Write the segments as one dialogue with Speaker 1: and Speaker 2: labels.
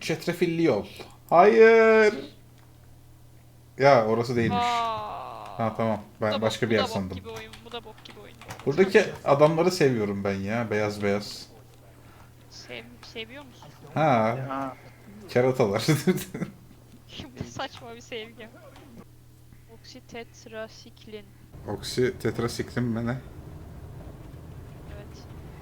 Speaker 1: Çetrefilli yol. Hayır. Ya orası değilmiş.
Speaker 2: Aa.
Speaker 1: Ha tamam. Ben başka bir yer sandım.
Speaker 2: Bu da bok gibi oyun. Bu da bok gibi oyun.
Speaker 1: Buradaki adamları seviyorum ben ya. Beyaz beyaz.
Speaker 2: Seviyor musun?
Speaker 1: Ha,
Speaker 3: Ha,
Speaker 1: keratalar.
Speaker 2: Bu saçma bir sevgi. Oksitetrasiklin.
Speaker 1: Oksi tetrasiklin mi ne?
Speaker 2: Evet.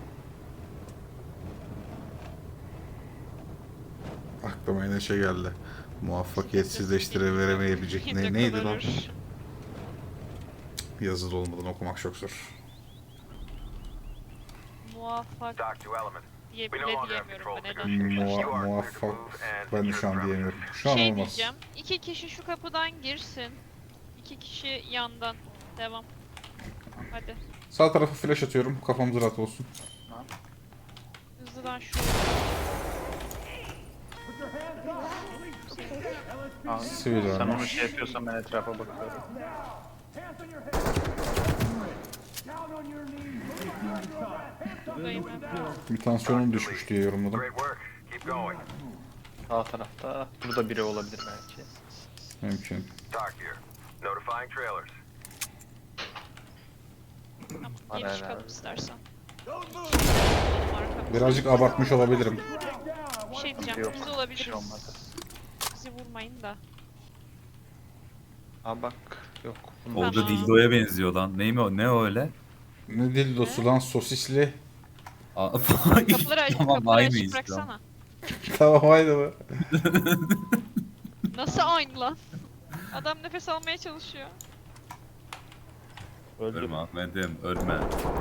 Speaker 1: Aklıma yine şey geldi. Muvaffakiyetsizleştiremeyebilecek neydi lan? Yazılı olmadan okumak çok zor.
Speaker 2: Muvaffak
Speaker 4: Dock to element.
Speaker 2: diye
Speaker 4: We
Speaker 2: bile
Speaker 4: no longer have
Speaker 2: diyemiyorum
Speaker 4: control
Speaker 2: ben
Speaker 4: of the
Speaker 2: neden.
Speaker 4: negotiations. You are clear to
Speaker 1: Muvaffak.
Speaker 4: move and
Speaker 1: Ben de
Speaker 4: use
Speaker 1: şu
Speaker 4: your
Speaker 1: an
Speaker 4: ground
Speaker 1: diyemiyorum.
Speaker 4: position.
Speaker 1: Şu an
Speaker 2: Şey
Speaker 1: olmaz.
Speaker 2: diyeceğim. 2 kişi şu kapıdan girsin. 2 kişi yandan. Devam. Hadi.
Speaker 1: Sağ tarafa flash atıyorum. Kafamız rahat olsun.
Speaker 2: Hızlıdan şu.
Speaker 3: abi.
Speaker 1: Sivil
Speaker 3: Sen
Speaker 1: varmış.
Speaker 3: onu şey yapıyorsan ben etrafa bakıyorum.
Speaker 2: Buradayım ben.
Speaker 1: Bir tansiyonum düşmüş diye yorumladım.
Speaker 4: Great work. Keep going.
Speaker 3: Sağ tarafta. Burada biri olabilir belki.
Speaker 1: Mümkün.
Speaker 4: Dock here. Notifying trailers.
Speaker 2: Tamam.
Speaker 3: Var
Speaker 2: Geri çıkalım
Speaker 3: herhalde.
Speaker 2: istersen.
Speaker 1: Birazcık abartmış olabilirim.
Speaker 2: Bir şey diyeceğim.
Speaker 3: Yok,
Speaker 2: Biz
Speaker 3: bir şey
Speaker 2: olabiliriz.
Speaker 3: olmaz.
Speaker 2: Bizi vurmayın da.
Speaker 3: Aa bak, yok.
Speaker 2: Tamam.
Speaker 5: Oldu dildoya benziyor lan. Ney mi o? Ne o öyle?
Speaker 1: Ne dildosu lan sosisli.
Speaker 2: Kapıları açık,
Speaker 5: Tamam,
Speaker 2: kapıları açık
Speaker 5: aynıyız
Speaker 2: bıraksana.
Speaker 1: Tamam haydi be.
Speaker 2: Nasıl aynı lan? Adam nefes almaya çalışıyor.
Speaker 5: Ölme Ahmet'im, ölme.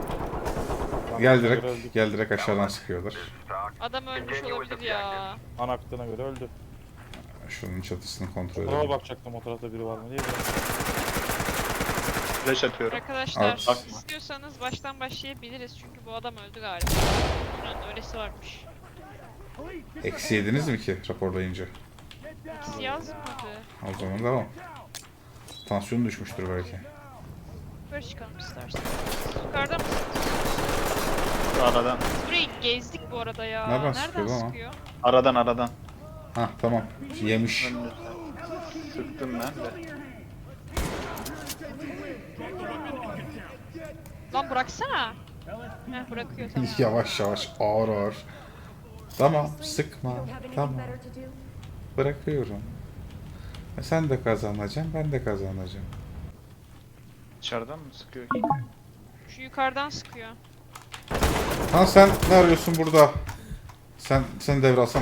Speaker 1: Gel direkt aşağıdan sıkıyorlar.
Speaker 4: This is Dock.
Speaker 2: Adam ölmüş
Speaker 4: Continue with
Speaker 2: olabilir ya.
Speaker 4: objective.
Speaker 6: Ana aktığına göre öldü.
Speaker 1: Şunun çatısını kontrol
Speaker 6: Ona
Speaker 1: edelim.
Speaker 6: bakacaktım o tarafta biri var mı diye.
Speaker 3: Flash atıyorum.
Speaker 2: Arkadaşlar
Speaker 1: Bakma.
Speaker 2: istiyorsanız baştan başlayabiliriz çünkü bu adam öldü galiba. Bunun öylesi varmış.
Speaker 1: Eksi yediniz mi ki raporlayınca?
Speaker 2: İkisi yazmadı.
Speaker 1: O zaman devam. Tansiyonu düşmüştür belki.
Speaker 2: Yukarı çıkalım istersen. Yukarıda mısın?
Speaker 3: Aradan.
Speaker 2: Burayı gezdik bu arada ya.
Speaker 1: Nereden sıkıyor ama?
Speaker 2: sıkıyor?
Speaker 3: Aradan.
Speaker 1: Hah tamam. Yemiş.
Speaker 3: Önünüzde. Sıktım ben de.
Speaker 2: Lan bıraksana. Heh bırakıyor tamam.
Speaker 1: Yavaş yavaş ağır ağır. Tamam sıkma. Tamam. Bırakıyorum. Sen de kazanacaksın, ben de kazanacağım.
Speaker 3: Dışarıdan mı sıkıyor?
Speaker 2: Şu yukarıdan sıkıyor.
Speaker 1: Ha sen ne arıyorsun burada? Sen devralsana.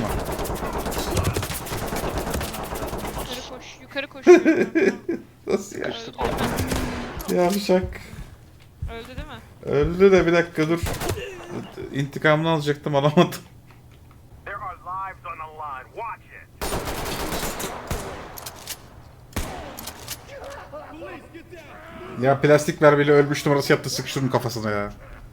Speaker 2: Yukarı koşuyor.
Speaker 1: Nasıl ya?
Speaker 3: Sıkıştık.
Speaker 1: Yavşak.
Speaker 2: Öldü değil mi?
Speaker 1: Öldü de bir dakika dur. İntikamını alacaktım alamadım.
Speaker 4: There are lives on the line. Watch it.
Speaker 1: Ya plastik mermiyle ölmüş numarası yaptı sık şunun kafasına ya.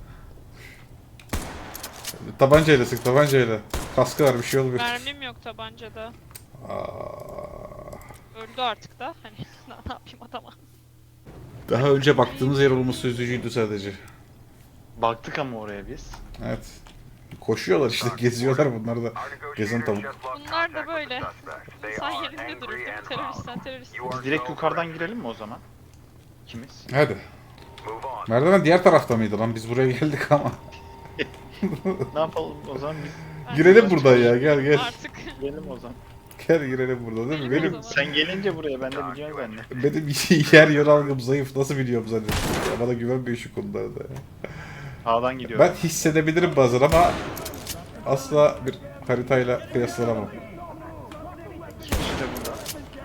Speaker 1: Tabancayla sık tabancayla. Kaskı var bir şey olmuyor.
Speaker 2: Mermim yok tabancada.
Speaker 1: Aa,
Speaker 2: Öldü artık da. Hani ne yapayım adama.
Speaker 1: daha önce baktığımız yer olması üzücüydü sadece.
Speaker 3: Baktık ama oraya biz.
Speaker 1: Evet. Koşuyorlar işte geziyorlar bunlar da.
Speaker 4: Our
Speaker 1: Gezen
Speaker 4: negotiators
Speaker 1: tavuk.
Speaker 4: just lost
Speaker 2: Bunlar da
Speaker 4: contact with
Speaker 2: böyle.
Speaker 4: the suspect. They
Speaker 2: İnsan
Speaker 4: are
Speaker 2: yerinde durur
Speaker 4: angry
Speaker 2: değil mi?
Speaker 4: and
Speaker 2: Terörist sen
Speaker 4: loud.
Speaker 2: terörist.
Speaker 4: You are
Speaker 3: Direkt
Speaker 4: so
Speaker 3: yukarıdan
Speaker 4: correct.
Speaker 3: girelim mi o zaman? İkimiz.
Speaker 1: Hadi.
Speaker 4: Move on.
Speaker 1: Merdiven diğer tarafta mıydı lan? Biz buraya geldik ama.
Speaker 3: Ne yapalım o zaman biz
Speaker 1: Girelim buradan ya gel gel.
Speaker 2: Artık.
Speaker 3: girelim o zaman.
Speaker 1: Gel girelim burada değil mi?
Speaker 2: Girelim o
Speaker 1: Benim
Speaker 2: zaman.
Speaker 3: Sen gelince buraya ben de biliyorum ben de.
Speaker 1: benim yer yön algım zayıf. Nasıl biliyorum zannediyorsun? Ya bana güvenmiyor şu konularda ya.
Speaker 3: Sağdan gidiyorum.
Speaker 1: Ben hissedebilirim bazen ama asla bir haritayla kıyaslanamam.
Speaker 3: İki kişi de burada.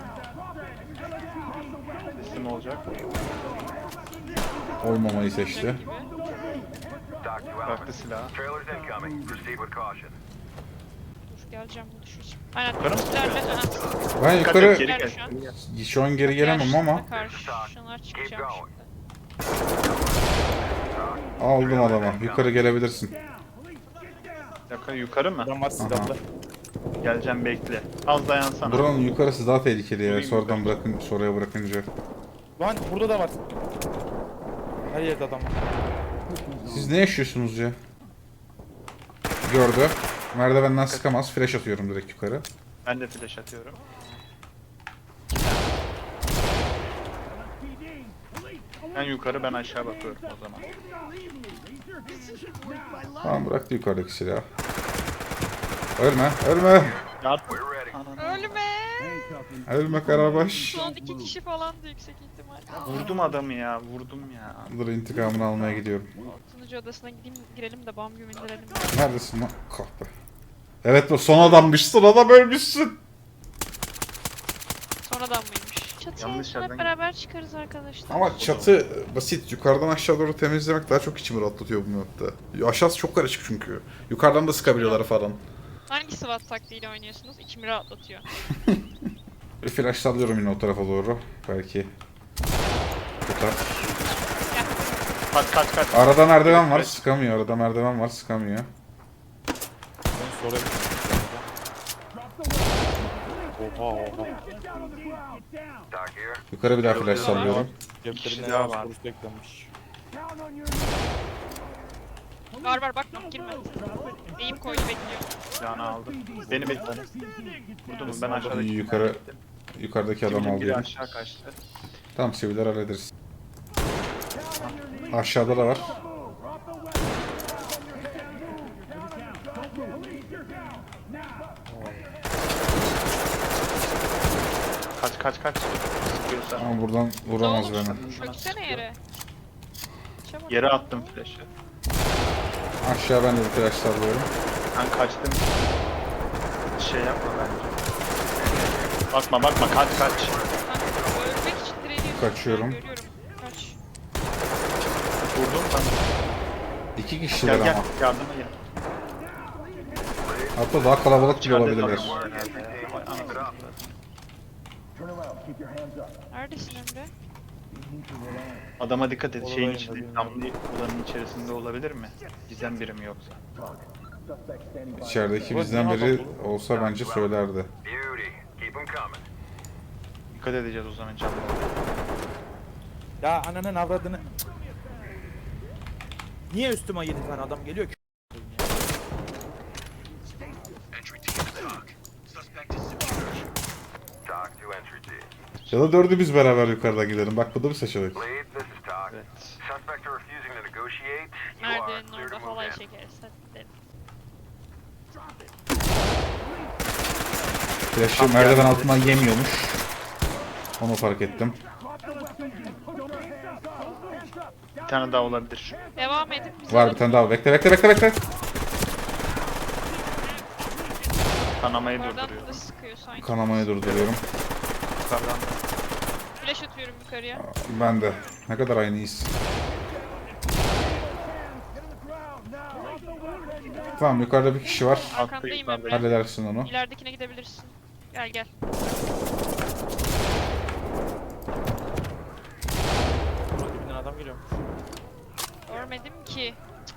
Speaker 3: Teslim olacak.
Speaker 1: Olmamayı seçti.
Speaker 2: Gibi.
Speaker 4: Dock to
Speaker 3: Bıraktı
Speaker 4: element.
Speaker 3: silahı.
Speaker 4: Trailers incoming. Proceed with caution.
Speaker 2: Dur geleceğim bu düşeceğim. Aynen.
Speaker 3: Yukarı mı?
Speaker 2: Bizlerle.
Speaker 1: Ben
Speaker 3: Dikkat et,
Speaker 1: yukarı
Speaker 3: geri
Speaker 2: Gel
Speaker 3: gel.
Speaker 2: şu an.
Speaker 3: Geri gel.
Speaker 1: şu an geri gelemem ama
Speaker 2: Karşılar çıkacağım şimdi.
Speaker 1: aldım adamı. Yukarı gelebilirsin.
Speaker 3: Yukarı mı?
Speaker 6: Adam var silahlı.
Speaker 3: Geleceğim bekle. Az dayansana.
Speaker 1: Buranın yukarısı daha tehlikeli ya. Sonradan bırakın, sonraya bırakınca.
Speaker 6: Lan burada da var. Her yerde adam var.
Speaker 1: Siz ne yaşıyorsunuz ya? Gördü. Merdivenden sıkamaz. Flash atıyorum direkt yukarı.
Speaker 3: Ben de flash atıyorum. Ben yukarı ben aşağı bakıyorum o zaman.
Speaker 1: Tamam bıraktı yukarıdaki silahı. Ölme, ölme.
Speaker 3: Yardım.
Speaker 4: We're ready.
Speaker 3: Ananı.
Speaker 2: Ölme.
Speaker 1: Ölme Karabaş.
Speaker 2: Son 2 kişi falandı yüksek ihtimal.
Speaker 3: Vurdum adamı ya, vurdum ya.
Speaker 1: Dur intikamını almaya gidiyorum.
Speaker 2: Sunucu odasına gideyim girelim de bam güm indirelim.
Speaker 1: Neredesin lan? Kahpe. Evet bu son adammış. Son adam ölmüşsün.
Speaker 2: Sonradan mıymış? Çatıya
Speaker 3: Yanlış
Speaker 2: sonra hep
Speaker 3: yerden
Speaker 2: beraber çıkarız arkadaşlar.
Speaker 1: Ama çatı basit. Yukarıdan aşağı doğru temizlemek daha çok içimi rahatlatıyor bu map'te. Aşağısı çok karışık çünkü. Yukarıdan da sıkabiliyorlar falan.
Speaker 2: Hangi SWAT taktiğiyle oynuyorsunuz? İçimi rahatlatıyor.
Speaker 1: Bir flash sallıyorum yine o tarafa doğru. Belki tutar.
Speaker 3: Kaç.
Speaker 1: Arada merdiven var, sıkamıyor. Arada merdiven var, sıkamıyor.
Speaker 6: Ben sonra Oha.
Speaker 4: Doc here.
Speaker 1: Yukarı bir daha flash sallıyorum.
Speaker 6: Ceplerinde
Speaker 3: daha
Speaker 6: yavaş
Speaker 3: var.
Speaker 6: vuruş beklenmiş.
Speaker 2: Var bak girme. Eğim koydu bekliyor.
Speaker 3: Silahını aldım. Beni bekle. Vurdum mu? Ben aşağıdaki.
Speaker 1: Yukarı, yukarıdaki adamı
Speaker 3: Biri
Speaker 1: alıyorum.
Speaker 3: aşağı kaçtı.
Speaker 1: Tamam siviller hallederiz. Aşağıda da var.
Speaker 3: Kaç. Sıkıyorsa.
Speaker 1: Ama buradan vuramaz
Speaker 2: Oğlum,
Speaker 1: beni.
Speaker 2: çöksene yere. Çabuk.
Speaker 3: Yere attım flash'ı.
Speaker 1: Aşağı ben de bir flash sallıyorum.
Speaker 3: Ben kaçtım. Şey yapma bence. Bakma kaç.
Speaker 2: Kanka, ölmek için direniyorsun.
Speaker 1: Kaçıyorum.
Speaker 2: Ben görüyorum. Kaç.
Speaker 3: Vurdum ben.
Speaker 1: İki kişiler
Speaker 3: Gel
Speaker 1: ama.
Speaker 3: yardıma gel.
Speaker 1: Hatta daha kalabalık bile
Speaker 3: İçeride
Speaker 1: olabilirler.
Speaker 3: adam var herhalde ya. Vay anasını satayım.
Speaker 2: Neredesin Emre?
Speaker 3: Adama dikkat et. Şeyin
Speaker 6: Olayım,
Speaker 3: içinde,
Speaker 6: olayım.
Speaker 3: damlı odanın içerisinde olabilir mi? Gizem birim yoksa.
Speaker 1: İçerideki bizden biri olsa bence söylerdi.
Speaker 4: Beauty. Keep them coming.
Speaker 3: Dikkat edeceğiz o zaman canlı.
Speaker 6: Ya ananın avradını. Niye üstüme 7 tane adam geliyor ki?
Speaker 4: Doc to entry team.
Speaker 1: Ya da dördü biz beraber yukarıda gidelim. Bak bu da bir seçenek.
Speaker 4: Lead, this is Doc.
Speaker 3: Evet.
Speaker 4: Suspects are refusing to negotiate. You are
Speaker 2: Merdivenin
Speaker 4: clear to
Speaker 2: orada
Speaker 4: move
Speaker 2: halay
Speaker 4: in.
Speaker 2: çekeriz. Hadi gidelim.
Speaker 1: Flash'ı merdiven altından yemiyormuş. Onu fark ettim.
Speaker 3: Bir tane daha olabilir.
Speaker 2: Devam edin. Bize
Speaker 1: Var bir tane daha. Bekle.
Speaker 3: Kanamayı
Speaker 2: Oradan
Speaker 3: durduruyor.
Speaker 2: da sıkıyor sanki.
Speaker 1: Kanamayı durduruyorum.
Speaker 3: Yukarıdan.
Speaker 2: Flash atıyorum yukarıya.
Speaker 1: Ben de. Ne kadar aynıyız. Tamam yukarıda bir kişi var.
Speaker 2: Arkandayım
Speaker 3: yukarıda.
Speaker 2: Emre.
Speaker 1: Halledersin onu.
Speaker 2: İleridekine gidebilirsin. Gel.
Speaker 6: Burada dibinden adam geliyor.
Speaker 2: Görmedim ki.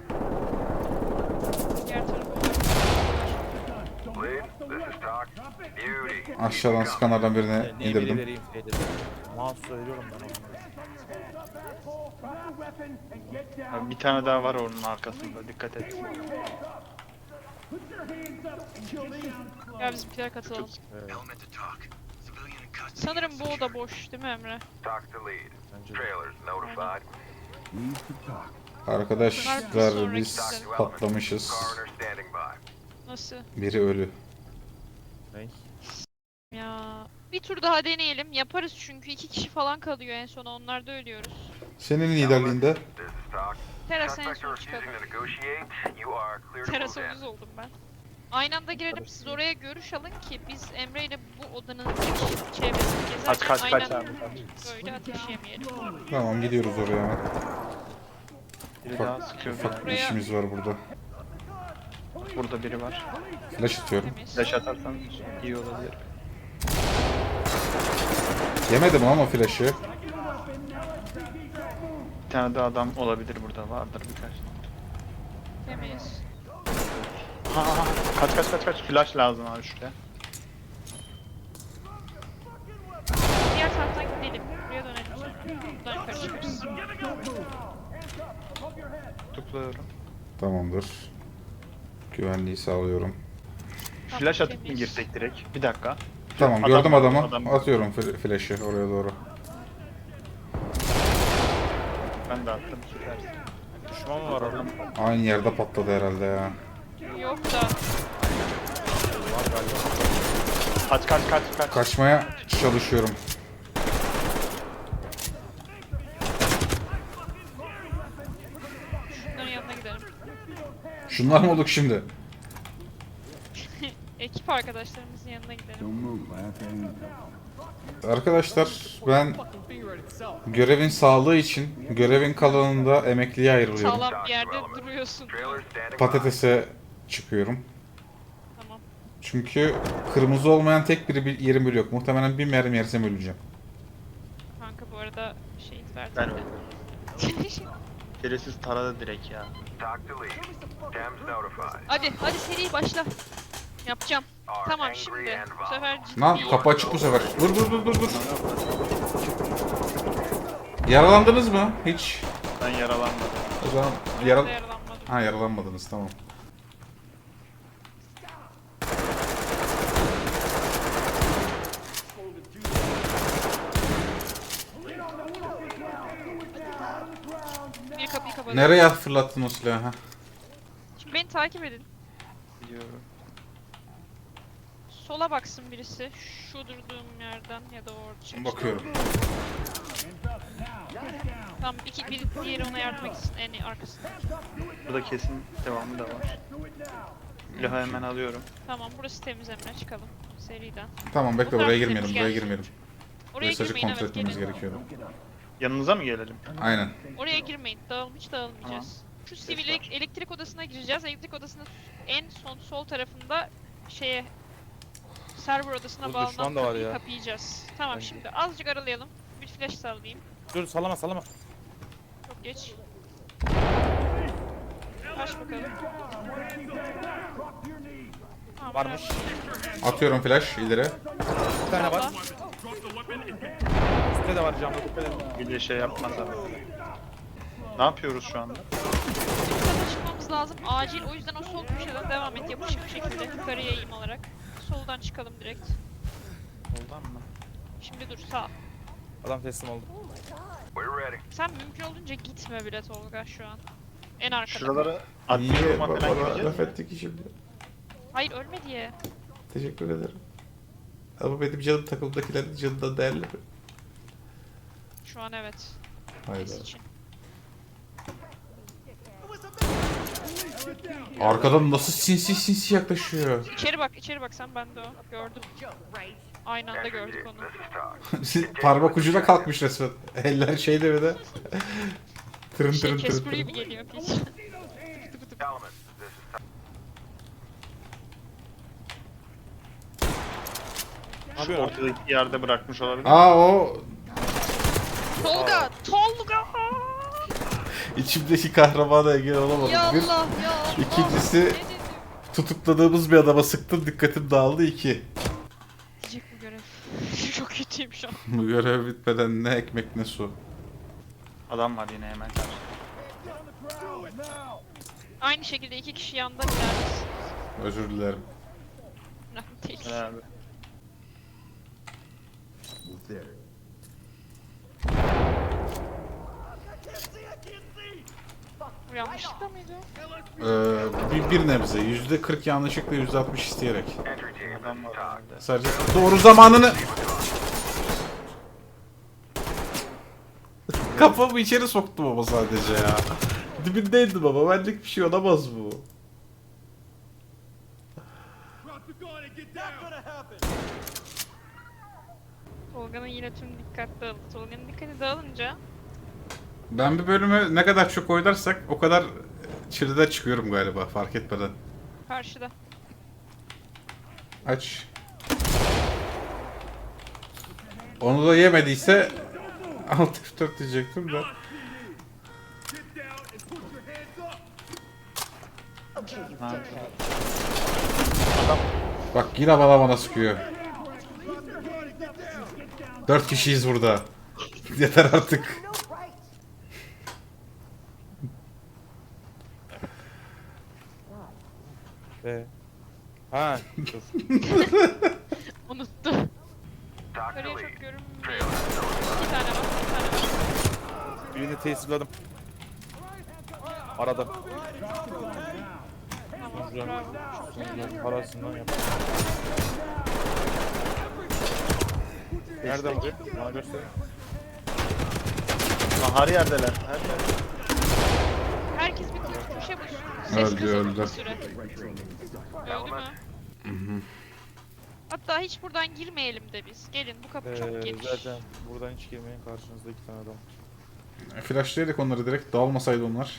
Speaker 2: Diğer tarafa bak.
Speaker 4: Lead, this is Doc. Beauty.
Speaker 1: Aşağıdan skanlardan birine
Speaker 6: Emiri
Speaker 1: indirdim.
Speaker 6: vereyim şeyde. Mouse söylüyorum ben onlara.
Speaker 3: Abi bir tane daha var onun arkasında. Dikkat et.
Speaker 2: Gel bizimkiler katılalım. Sanırım bu oda boş değil mi Emre?
Speaker 4: Doc to lead.
Speaker 6: Bence de.
Speaker 4: Trailers notified.
Speaker 1: Arkadaşlar biz patlamışız.
Speaker 4: Coroner standing by.
Speaker 2: Nasıl?
Speaker 1: Biri ölü.
Speaker 6: Ney?
Speaker 2: Ya bir tur daha deneyelim. Yaparız çünkü 2 kişi falan kalıyor en sona. Onlar da ölüyoruz.
Speaker 1: Senin liderliğinde
Speaker 4: This is Doc.
Speaker 2: Terasa en
Speaker 4: Suspects are
Speaker 2: son
Speaker 4: refusing
Speaker 2: çıkalım.
Speaker 4: to negotiate. You are clear to
Speaker 2: Terasa
Speaker 4: move in.
Speaker 2: uyuz oldum ben. Aynı anda girelim, siz oraya görüş alın ki biz Emre ile bu odanın çevresini gezerken
Speaker 3: Kaç
Speaker 2: aynen
Speaker 3: abi.
Speaker 2: böyle ateş yemeyelim.
Speaker 1: tamam gidiyoruz oraya hemen.
Speaker 3: Biri daha sıkıyor.
Speaker 1: Ufak bir
Speaker 2: Buraya-
Speaker 1: işimiz var burada.
Speaker 3: Burada biri var.
Speaker 1: Flash atıyorum.
Speaker 2: Temiz.
Speaker 3: Flash atarsan iyi olabilir.
Speaker 1: Yemedim ama flash'ı.
Speaker 3: Bir tane daha adam olabilir burada. Vardır birkaç.
Speaker 2: Temiz.
Speaker 3: Ha, kaç. Flash lazım abi şuraya.
Speaker 2: Diğer taraftan gidelim. Buraya dönelim sonra. Buradan yukarı çıkarız.
Speaker 3: Tutukluyorum.
Speaker 1: Tamamdır. Güvenliği sağlıyorum.
Speaker 3: Flash atıp mı
Speaker 2: temiz.
Speaker 3: girsek direkt? Bir dakika.
Speaker 1: Tamam
Speaker 3: Adam
Speaker 1: gördüm
Speaker 3: var,
Speaker 1: adamı.
Speaker 3: adam var.
Speaker 1: Atıyorum flash'ı oraya doğru.
Speaker 3: Ben de attım. Süpersin.
Speaker 6: Düşman mı var orada?
Speaker 1: Aynı yerde patladı herhalde ya.
Speaker 2: Yok da.
Speaker 6: Var galiba.
Speaker 3: Kaç.
Speaker 1: Kaçmaya çalışıyorum.
Speaker 2: Şunların yanına gidelim.
Speaker 1: Şunlar mı olduk şimdi?
Speaker 2: Ekip arkadaşlarımızın yanına gidelim.
Speaker 1: Arkadaşlar ben görevin sağlığı için görevin kalanında emekliye ayrılıyorum.
Speaker 2: Sağlam bir yerde duruyorsun.
Speaker 4: Trailer standing by.
Speaker 1: Patatese çıkıyorum.
Speaker 2: Tamam.
Speaker 1: Çünkü kırmızı olmayan tek bir yerim bile yok. Muhtemelen bir mermi yersem öleceğim.
Speaker 2: Kanka bu arada şehit verdim.
Speaker 3: Ben
Speaker 2: de.
Speaker 3: Şerefsiz taradı direkt ya.
Speaker 4: Talk to lead. Dems notified.
Speaker 2: hadi seri başla. Yapacağım.
Speaker 4: Are
Speaker 2: Tamam
Speaker 4: angry
Speaker 2: şimdi.
Speaker 4: and
Speaker 2: Bu sefer ciddi.
Speaker 1: Lan kapı açık bu sefer. Dur. Yaralandınız mı? Hiç.
Speaker 3: Ben yaralanmadım.
Speaker 1: O zaman
Speaker 2: Yaralanmadım.
Speaker 1: Ha yaralanmadınız tamam.
Speaker 2: Bir kapıyı kapadım.
Speaker 1: Nereye fırlattın o silahı? Ha?
Speaker 2: Şimdi beni takip edin.
Speaker 3: Biliyorum.
Speaker 2: Sola baksın birisi. Şu durduğum yerden ya da orada çıkışta.
Speaker 1: Bakıyorum.
Speaker 2: Tamam bir diğeri ona yardım etsin en arkasında.
Speaker 3: Burada kesin devamı da var. Silahı hemen alıyorum.
Speaker 2: Tamam burası temiz Emre çıkalım. Seriden.
Speaker 1: Tamam bekle
Speaker 2: Bunlar
Speaker 1: buraya
Speaker 2: temiz
Speaker 1: girmeyelim. Buraya
Speaker 2: gelsin.
Speaker 1: girmeyelim.
Speaker 2: Oraya
Speaker 1: Burayı sadece
Speaker 2: girmeyin
Speaker 1: kontrol
Speaker 2: evet
Speaker 1: etmemiz
Speaker 2: gelin.
Speaker 1: gerekiyordu.
Speaker 3: Yanınıza mı gelelim?
Speaker 1: Aynen.
Speaker 2: Oraya girmeyin. Hiç dağılmayacağız. Şu sivil elektrik odasına gireceğiz. Elektrik odasının en son sol tarafında şeye server odasına
Speaker 6: Bu
Speaker 2: bağlanan
Speaker 6: düşman da var
Speaker 2: kapıyı
Speaker 6: ya.
Speaker 2: kapayacağız. Tamam
Speaker 6: Bence.
Speaker 2: şimdi azıcık aralayalım. Bir flash sallayayım.
Speaker 6: Dur sallama.
Speaker 2: Çok geç. Aç bakalım. Tamam,
Speaker 6: Varmış.
Speaker 1: Atıyorum flash ileri.
Speaker 6: Bir tane var.
Speaker 2: Salla.
Speaker 6: Üstte de var camda. Dikkat edin.
Speaker 3: Bir de şey yapmaz abi. Ne yapıyoruz şu anda?
Speaker 2: Yukarıda çıkmamız lazım. Acil. O yüzden o sol köşeden devam et. Yapışık bir şekilde. Yukarıya eğim alarak. Soldan çıkalım direkt.
Speaker 3: Oldan mı?
Speaker 2: Şimdi dur sağ.
Speaker 6: Adam teslim oldu.
Speaker 4: We're ready.
Speaker 2: Sen mümkün olduğunca gitme bile Tolga şu an. En arkada.
Speaker 3: Şuralara atlayalım falan gireceğiz.
Speaker 1: ettik şimdi.
Speaker 2: Hayır ölme diye.
Speaker 1: Teşekkür ederim. Ama benim canım takımdakilerin canından değerli mi?
Speaker 2: Şu an evet.
Speaker 1: Hayda.
Speaker 2: Kes için.
Speaker 1: Arkadan nasıl sinsi yaklaşıyor.
Speaker 2: İçeri bak sen ben de o. Gördüm. Aynı anda gördük onu.
Speaker 4: This is talk.
Speaker 1: Parmak ucuna kalkmış resmen. Eller şeyde bir de. Tırın tırın tırın
Speaker 2: Casper
Speaker 1: tırın.
Speaker 2: gibi geliyor piç.
Speaker 4: Element. This is talk.
Speaker 3: Şu ortadaki yerde bırakmış olabilir.
Speaker 1: Aa o
Speaker 2: Tolga! Tolga!
Speaker 1: içimdeki kahramana engel olamadım.
Speaker 2: Ya
Speaker 1: Bir,
Speaker 2: Allah ya Allah.
Speaker 1: İkincisi-
Speaker 2: Ne dedim?
Speaker 1: tutukladığımız bir adama sıktım dikkatim dağıldı 2.
Speaker 2: Diyecek bu görev. Çok kötüyüm şu an.
Speaker 1: Bu görev bitmeden ne ekmek ne su.
Speaker 3: Adam var yine hemen karşıda.
Speaker 2: Aynı şekilde iki kişi yandan ilerlesin.
Speaker 1: Özür dilerim.
Speaker 2: Önemli değil.
Speaker 3: Gel abi.
Speaker 2: Bu yanlışlıkla mıydı?
Speaker 1: Bir nebze. %40 yanlışlıkla %60 isteyerek.
Speaker 4: Entry team. This
Speaker 3: Adam
Speaker 4: is
Speaker 3: var
Speaker 4: talk.
Speaker 3: herhalde.
Speaker 1: Sadece doğru zamanını... Kafamı içeri soktum ama sadece ya. Dibindeydim ama benlik bir şey olamaz bu.
Speaker 2: Tolga'nın yine tüm dikkat dağıldı. Tolga'nın dikkati dağılınca
Speaker 1: Ben bir bölümü ne kadar çok oynarsak o kadar çileden çıkıyorum galiba fark etmeden.
Speaker 2: karşıda.
Speaker 1: Aç. Onu da yemediyse Alt F4 diyecektim de.
Speaker 3: Ha,
Speaker 1: Bak yine bana sıkıyor. 4 kişiyiz burada. Yeter artık.
Speaker 6: Ha. Dur.
Speaker 2: Unuttu.
Speaker 4: Dr.
Speaker 2: Yukarıya
Speaker 4: Lee,
Speaker 2: çok görünmüyor. 2 tane var, 2 tane var.
Speaker 6: Birini tesirladım. Arada.
Speaker 2: Tamam,
Speaker 6: Güzel.
Speaker 2: bravo.
Speaker 6: Güzel. Parasından yap. Nerede bu? Bana gösterin.
Speaker 3: Lan her yerdeler. Her yerde.
Speaker 2: Herkes bir tuşa basıyor. Ses
Speaker 1: Öldü,
Speaker 2: kısıldı
Speaker 1: öldü.
Speaker 2: bir süre. Öldü mü? Hatta hiç buradan girmeyelim de biz. Gelin, bu kapı çok geniş.
Speaker 6: Zaten buradan hiç girmeyin. Karşınızda 2 tane adam var.
Speaker 1: Flashlayarak onları direkt dağılmasaydı onlar.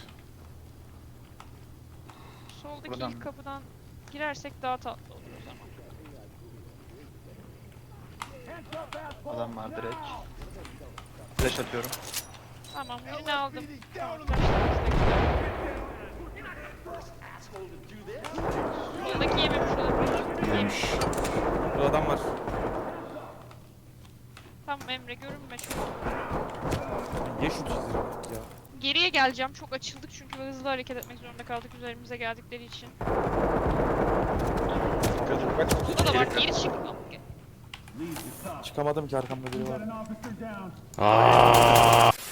Speaker 2: Soldaki
Speaker 3: Buradan
Speaker 2: ilk
Speaker 3: mı?
Speaker 2: kapıdan girersek daha tatlı olur o zaman.
Speaker 3: Adam var direkt. Flash atıyorum.
Speaker 2: Tamam, birini aldım. Tamam, flashlarımız da güzel. Soldaki yememiş olabilir.
Speaker 1: Yemiş.
Speaker 6: Burada adam var.
Speaker 2: Tamam Emre, görünme çok.
Speaker 6: Ye şu çizgiyi ya.
Speaker 2: Geriye geleceğim. Çok açıldık çünkü hızlı hareket etmek zorunda kaldık üzerimize geldikleri için. Burada da var. Geri çık.
Speaker 6: Çıkamadım ki arkamda biri var.
Speaker 1: Aa!